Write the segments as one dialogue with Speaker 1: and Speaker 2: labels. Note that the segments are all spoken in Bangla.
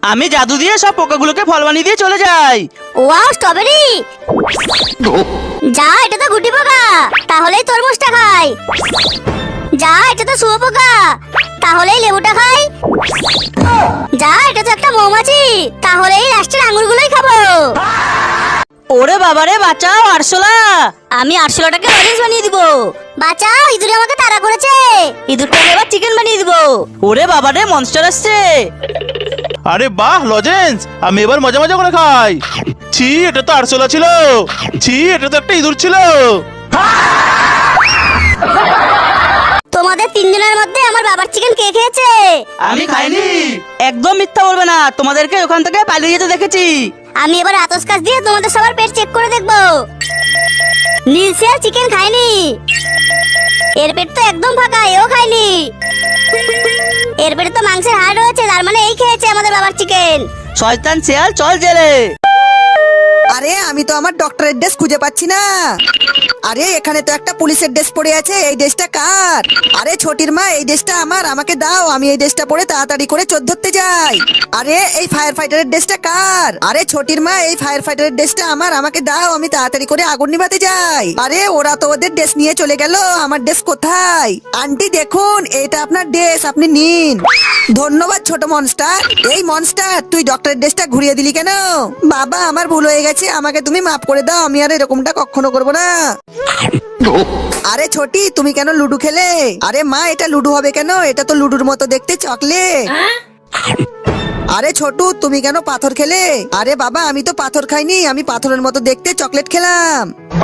Speaker 1: আমি জাদু দিয়ে সব পোকাগুলোকে ফল বানিয়ে দিয়ে চলে যাই।
Speaker 2: Wow, strawberry! যা, এটা তো গুটি পোকা, তাহলেই তরমুজটা খাই। যা, এটা তো শুয়োপোকা, তাহলেই লেবুটা খাই। যা, এটা তো একটা মৌমাছি, তাহলেই লাস্টের আঙুরগুলোই খাবো।
Speaker 1: ওরে বাবারে, বাঁচাও আরশোলা!
Speaker 2: আমি আরশোলাটাকে অরেঞ্জ বানিয়ে দিব। বাঁচাও, ইঁদুর আমাকে তাড়া করেছে। ইঁদুরটাকে এবার চিকেন বানিয়ে দিব।
Speaker 1: ওরে বাবারে, মনস্টার আসছে।
Speaker 3: আরে বাহ লজেন্স, আমি এবার মজা মজা করে খাই। ছি, এটা তো আরশোলা ছিল। ছি, এটা তো একটা ইঁদুর ছিল।
Speaker 2: তোমাদের তিনজনের মধ্যে আমার বাবার চিকেন কে খেয়েছে?
Speaker 1: আমি খাইনি। একদম মিথ্যা বলবে না, তোমাদেরকে ওখান থেকে পালিয়ে যেতে দেখেছি।
Speaker 2: আমি এবার আতস কাজ দিয়ে তোমাদের সবার পেট চেক করে দেখবো। নীলসিয়া চিকেন খায়নি, এর পেট তো একদম ফাঁকা, এও খায়নি। এর পেটে তো মাংসের হাড় রয়েছে, তার মানে এই খেয়েছে আমাদের বাবার চিকেন।
Speaker 1: শয়তান শিয়াল, চল জেলে।
Speaker 4: আরে আমি তো আমার ডক্টরের ড্রেস খুঁজে পাচ্ছি না। আরে এখানে তো একটা পুলিশের ড্রেস পরে আছে, এই ড্রেসটা কার? আরে ছোটির মা, এই ড্রেসটা আমার, আমাকে দাও, আমি এই ড্রেসটা পরে তাড়াতাড়ি করে চোর ধরতে যাই। আরে এই ফায়ার ফাইটারের ড্রেসটা কার? আরে ছোটির মা, এই ফায়ার ফাইটারের ড্রেসটা আমার, আমাকে দাও, আমি তাড়াতাড়ি করে আগুন নিভাতে যাই। আরে ওরা তো ওদের ড্রেস নিয়ে চলে গেল, আমার ড্রেস কোথায়? আন্টি দেখুন, এটা আপনার ড্রেস, আপনি নিন। ধন্যবাদ ছোট মনস্টার। এই মনস্টার, তুই ডক্টরের ড্রেসটা ঘুরিয়ে দিলি কেন? বাবা, আমার ভুল হয়ে গেছে, আমাকে তুমি মাফ করে দাও, আমি আর এরকমটা কখনো করবো না। আরে ছোটি, তুমি কেন লুডো খেলে? আরে মা, এটা লুডো হবে কেন? এটা তো লুডুর মতো দেখতে, চকলেট। আরে ছোটু, তুমি কেন পাথর খেলে? আরে বাবা, আমি তো পাথর খাইনি, আমি পাথরের মতো দেখতে চকলেট খেলাম।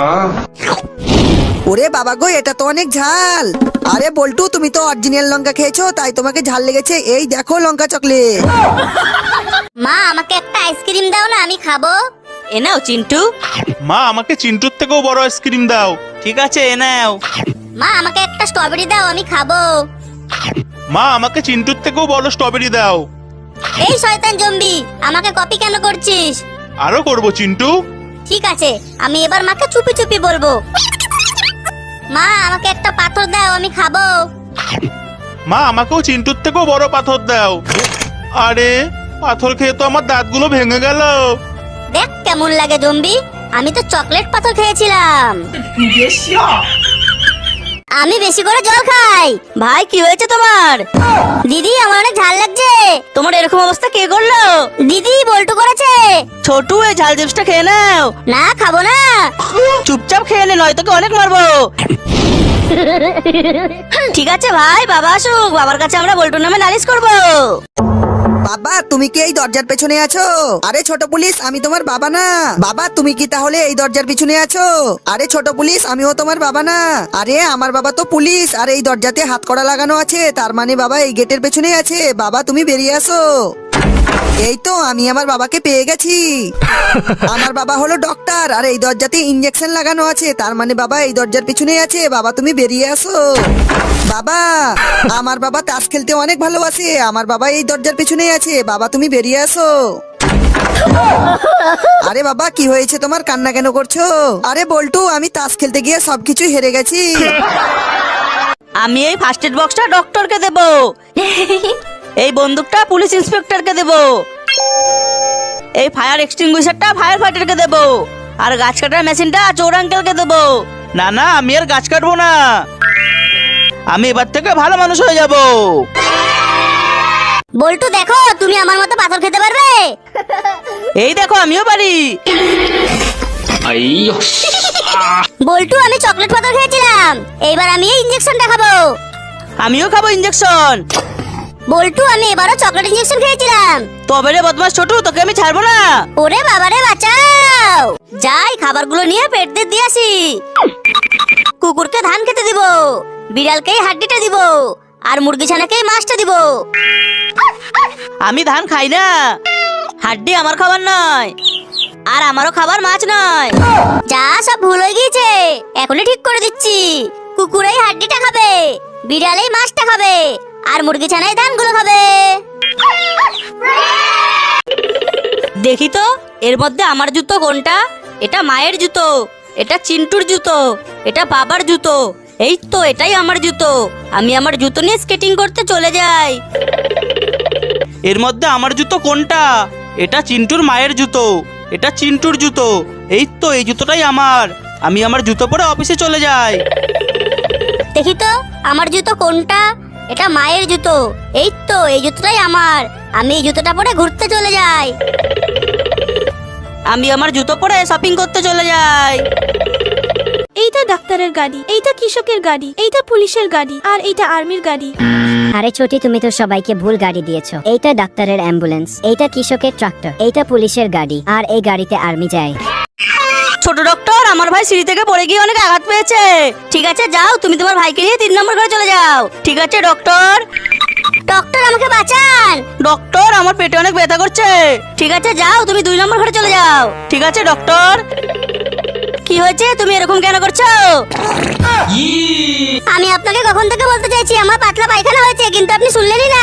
Speaker 4: ওরে বাবা গো, এটা তো অনেক ঝাল। আরে বল্টু, তুমি তো অরিজিনাল লঙ্কা খেয়েছো, তাই তোমাকে ঝাল লেগেছে। এই দেখো লঙ্কা চকলেট।
Speaker 2: মা, আমাকে একটা আইসক্রিম দাও না, আমি খাবো।
Speaker 1: এ নাও চিন্টু।
Speaker 3: মা, আমাকে চিন্টুর থেকেও বড় আইসক্রিম দাও।
Speaker 1: ঠিক আছে, এ নাও।
Speaker 2: মা, আমাকে একটা স্ট্রবেরি দাও, আমি খাবো।
Speaker 3: মা, আমাকে চিন্টুর থেকেও বড় স্ট্রবেরি দাও।
Speaker 2: এই শয়তান জম্বি, আমাকে কপি কেন করছিস?
Speaker 3: আরো করবো চিন্টু।
Speaker 2: ঠিক আছে, আমি এবার মাকে চুপি চুপি বলবো। মা, আমাকে একটা পাথর দাও, আমি খাবো।
Speaker 3: মা, আমাকেও চিন্টুর থেকেও বড় পাথর দাও। আরে পাথর খেয়ে তো আমার দাঁতগুলো ভেঙে গেল।
Speaker 2: দেখ কেমন লাগে জম্বি, আমি তো চকলেট পাথর খেয়েছিলাম। আমি বেশি করে জল খাই।
Speaker 1: ভাই, কি হয়েছে তোমার?
Speaker 2: দিদি, আমার অনেক ঝাল লাগছে।
Speaker 1: তোমার এরকম অবস্থা কে করলো?
Speaker 2: দিদি, বল্টু করেছে।
Speaker 1: ছোটু, এই ঝাল চিপসটা খেয়ে নাও।
Speaker 2: না, খাবো না।
Speaker 1: চুপচাপ খেয়ে নে, নয় তোকে অনেক মারবো। ঠিক আছে ভাই, বাবা আসুক, বাবার কাছে আমরা বল্টুর নামে নালিশ করবো।
Speaker 4: বাবা, তুমি কি এই দরজার পেছনে আছো? আরে ছোট পুলিশ, আমি তোমার বাবা না। বাবা, তুমি কি তাহলে এই দরজার পিছনে আছো? আরে ছোট পুলিশ, আমিও তোমার বাবা না। আরে আমার বাবা তো পুলিশ, আর এই দরজাতে হাত কড়া লাগানো আছে, তার মানে বাবা এই গেটের পেছনে আছে। বাবা, তুমি বেরিয়ে আসো। এই তো আমি আমার বাবাকে পেয়ে গেছি। আমার বাবা হলো ডক্টর, আর এই দরজাতে ইনজেকশন লাগানো আছে, তার মানে বাবা এই দরজার পিছনে আছে। বাবা, তুমি বেরিয়ে আসো। বাবা, আমার বাবা তাস খেলতে অনেক ভালোবাসে, আমার বাবা এই দরজার পিছনে আছে। বাবা, তুমি বেরিয়ে আসো। আরে বাবা, কি হয়েছে তোমার, কান্না কেন করছো? আরে বল্টু, আমি তাস খেলতে গিয়ে সবকিছু হেরে গেছি।
Speaker 1: আমি এই ফার্স্ট এড বক্সটা ডক্টরকে দেবো, এই বন্দুকটা পুলিশ ইন্সপেক্টরকে দেবো, এই ফায়ার এক্সটিংগুইশারটা ফায়ার ফাইটারকে দেবো, আর গাছ কাটার মেশিনটা চোর আঙ্কেলকে দেবো। না না, আমি আর গাছ কাটবো না, আমি এবার থেকে ভালো মানুষ হয়ে যাব।
Speaker 2: বল্টু, দেখো তুমি আমার মতো পাথর খেতে পারবে।
Speaker 1: এই দেখো, আমিও পারি।
Speaker 2: বল্টু, আমি চকলেট পাথর খেয়েছিলাম, এইবার আমি এই ইনজেকশনটা খাবো।
Speaker 1: আমিও খাবো ইনজেকশন।
Speaker 2: বল্টু, আমি এবারও চকলেট ইনজেকশন খেয়েছিলাম।
Speaker 1: তবে রে বদমাস ছোটু, তোকে আমি ছাড়বো না।
Speaker 2: ওরে বাবারে, বাঁচাও। যাই, খাবারগুলো নিয়ে পেট দিয়ে আসি। কুকুরকে ধান খেতে দিব, বিড়ালকে হাড্ডিটা দিব, আর মুরগি ছানাকে মাছটা দিব।
Speaker 1: আমি ধান খাই না, হাড্ডি আমার খাবার নয়, আর আমারও খাবার মাছ নয়।
Speaker 2: যা, সব ভুল হয়ে গিয়েছে, এখনই ঠিক করে দিচ্ছি। কুকুর এই হাড্ডিটা খাবে, বিড়াল এই মাছটা খাবে, আর মুরগি ছানায় ধানগুলো খাবে।
Speaker 1: দেখি তো এর মধ্যে আমার জুতো কোনটা। এটা মায়ের জুতো, এটা চিন্টুর জুতো, এটা বাবার জুতো। এই তো এটাই আমার জুতো। আমি আমার জুতো নিয়ে স্কেটিং করতে চলে যাই। এর মধ্যে আমার জুতো কোনটা? এটা চিন্টুর মায়ের জুতো, এটা চিন্টুর জুতো। এই তো এই জুতোটাই আমার। আমি আমার জুতো পরে অফিসে চলে যাই।
Speaker 2: দেখি তো আমার জুতো কোনটা। এটা মায়ের জুতো। এই তো এই জুতোটাই আমার। আমি এই জুতোটা পরে ঘুরতে চলে যাই।
Speaker 1: আমি আমার জুতো পরে শপিং করতে চলে যাই।
Speaker 5: এইটা ডাক্তারের গাড়ি, এইটা কৃষকের গাড়ি, এইটা পুলিশের গাড়ি, আর এইটা আর্মির গাড়ি।
Speaker 6: আরে ছোটি, তুমি তো সবাইকে ভুল গাড়ি দিয়েছো। এইটা ডাক্তারের অ্যাম্বুলেন্স, এইটা কৃষকের ট্রাক্টর, এইটা পুলিশের গাড়ি, আর এই গাড়িতে আর্মি যায়।
Speaker 1: ছোট ডক্টর, আমার ভাই সিঁড়ি থেকে পড়ে গিয়ে অনেক আঘাত পেয়েছে। ঠিক আছে যাও, তুমি তোমার ভাইকে নিয়ে 3 নম্বর ঘরে চলে যাও। ঠিক আছে ডক্টর।
Speaker 2: ডক্টর আমাকে বাঁচান।
Speaker 1: ডক্টর, আমার পেটে অনেক ব্যথা করছে। ঠিক আছে যাও, তুমি 2 নম্বর ঘরে চলে যাও। ঠিক আছে ডক্টর। কি হয়েছে? তুমি এরকম কেন করছো?
Speaker 2: আমি আপনাকে কখন থেকে বলতে চাইছি আমার পাতলা পায়খানা হয়েছে, কিন্তু আপনি শুনলেনই না।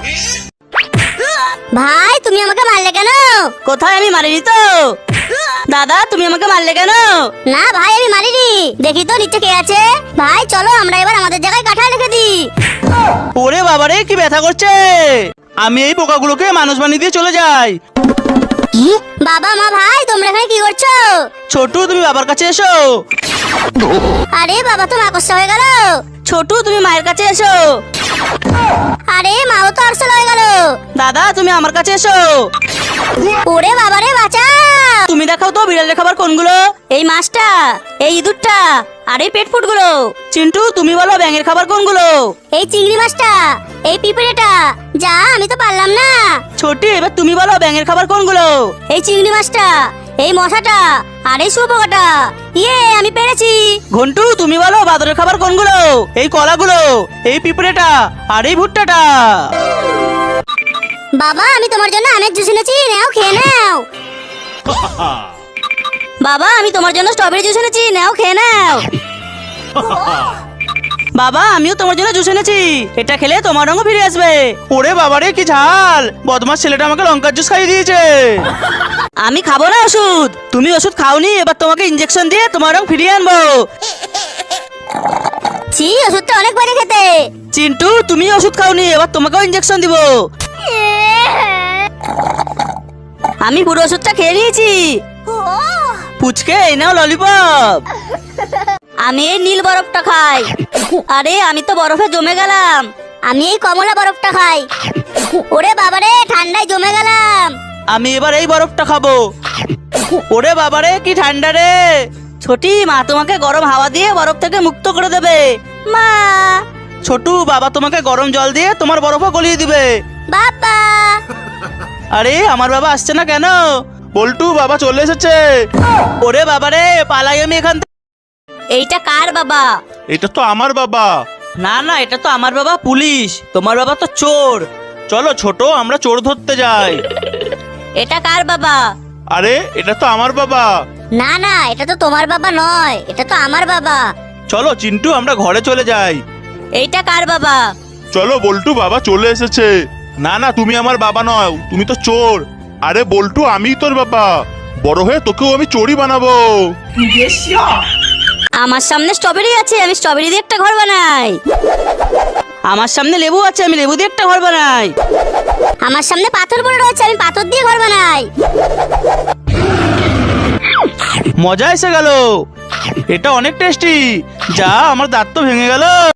Speaker 2: ভাই তুমি আমাকে মারলে কেন?
Speaker 1: কোথায়? আমি মারিনি তো। দাদা, তুমি আমাকে মারলে কেন?
Speaker 2: না ভাই আমি মারিনি। দেখি তো নিচে কে আছে। ভাই চলো আমরা এবার আমাদের জায়গায় কাঁঠাল রেখে দিই।
Speaker 1: ওরে বাবারে, কি ব্যথা করছে! আমি এই পোকাগুলোকে মানুষ বানিয়ে দিয়ে চলে যাই।
Speaker 2: বাবা মা ভাই তোমরা এখানে কি করছো?
Speaker 1: ছোটু, তুমি বাবার কাছে এসো।
Speaker 2: আরে বাবা তো মাকড়সা হয়ে গেল।
Speaker 1: ছোটু, তুমি মায়ের কাছে এসো।
Speaker 2: আরে মাও তো আরশোলা হয়ে গেল।
Speaker 1: দাদা, তুমি আমার কাছে এসো।
Speaker 2: ওরে বাবা রে বাঁচা।
Speaker 1: তুমি দেখাও তো বিড়ালের খাবার কোনগুলো? এই মাছটা, এই ইঁদুরটা, আর এই পেট ফুটগুলো। চিন্টু, তুমি বলো ব্যাঙের খাবার কোনগুলো?
Speaker 2: এই চিংড়ি মাছটা, এই পিঁপড়েটা। যা আমি তো পারলাম না।
Speaker 1: ছোটি, এবার তুমি বলো ব্যাঙের খাবার কোনগুলো?
Speaker 2: এই চিংড়ি মাছটা, এই মশাটা, আর এই শুয়োপোকাটা। ইয়ে আমি পেরেছি।
Speaker 1: ঘন্টু, তুমি বলো বাদরের খাবার কোনগুলো? এই কলাগুলো, এই পিঁপড়েটা, আর এই ভুট্টাটা।
Speaker 2: বাবা আমি তোমার জন্য আমের জুস এনেছি, নাও খেয়ে নাও।
Speaker 1: বাবা, আমি তোমার জন্য স্ট্রবেরি জুস এনেছি, নাও খেয়ে নাও। বাবা, আমিও তোমার জন্য জুস এনেছি, এটা খেলে তোমার রঙও ফিরে আসবে। ওরে বাবারে, কি ঝাল! বদমাস ছেলেটা আমাকে লঙ্কার জুস খাইয়ে দিয়েছে। আমি খাবো না ওষুধ। তুমি ওষুধ খাওনি, এবার তোমাকে ইনজেকশন দিয়ে তোমার রং ফিরিয়ে আনবো।
Speaker 2: ছি ওষুধটা অনেক বাজে খেতে।
Speaker 1: চিন্টু, তুমি ওষুধ খাওনি, এবার তোমাকেও ইনজেকশন দিব। আমি পুরো ওষুধটা খেয়ে নিয়েছি। পুচকে, এই নাও ললিপপ। আমি এই নীল বরফটা খাই। আরে আমি তো বরফে জমে গেলাম।
Speaker 2: আমি এই কমলা বরফটা খাই। ওরে বাবারে ঠান্ডায় জমে গেলাম।
Speaker 1: আমি এবার এই বরফটা খাবো। ওরে বাবারে, কি ঠান্ডা রে! ছোটি, মা তোমাকে গরম হাওয়া দিয়ে বরফ থেকে মুক্ত করে দেবে।
Speaker 2: মা।
Speaker 1: ছোটু, বাবা তোমাকে গরম জল দিয়ে তোমার বরফও গলিয়ে দিবে।
Speaker 2: বাবা।
Speaker 1: আরে আমার বাবা আসছে না কেন? বল্টু, বাবা চলে এসেছে। ওরে বাবারে, পালাই আমি এখান থেকে। এইটা কার বাবা?
Speaker 3: এটা তো আমার বাবা।
Speaker 1: না না, এটা তো আমার বাবা পুলিশ। তোমার বাবা তো চোর।
Speaker 3: চলো ছোট, আমরা চোর ধরতে যাই।
Speaker 1: এটা কার বাবা?
Speaker 3: আরে এটা তো আমার বাবা।
Speaker 2: না না এটা তো তোমার বাবা নয়, এটা তো আমার বাবা।
Speaker 3: চলো চিন্টু, আমরা ঘরে চলে যাই।
Speaker 1: এইটা কার বাবা?
Speaker 3: চলো বল্টু, বাবা চলে এসেছে। না না, তুমি আমার বাবা নও, তুমি তো চোর। আরে বল্টু, আমিই তোর বাবা। বড় হয়ে তোকেও আমি চোরই বানাবো।
Speaker 1: আমার সামনে স্ট্রবেরি আছে, আমি স্ট্রবেরি দিয়ে একটা ঘর বানাই। আমার সামনে লেবু আছে, আমি লেবু দিয়ে একটা ঘর বানাই।
Speaker 2: আমার সামনে পাথর পড়ে রয়েছে, আমি পাথর দিয়ে ঘর বানাই।
Speaker 1: মজা এসে গেল। এটা অনেক টেস্টি। যা, আমার দাঁত তো ভেঙে গেল।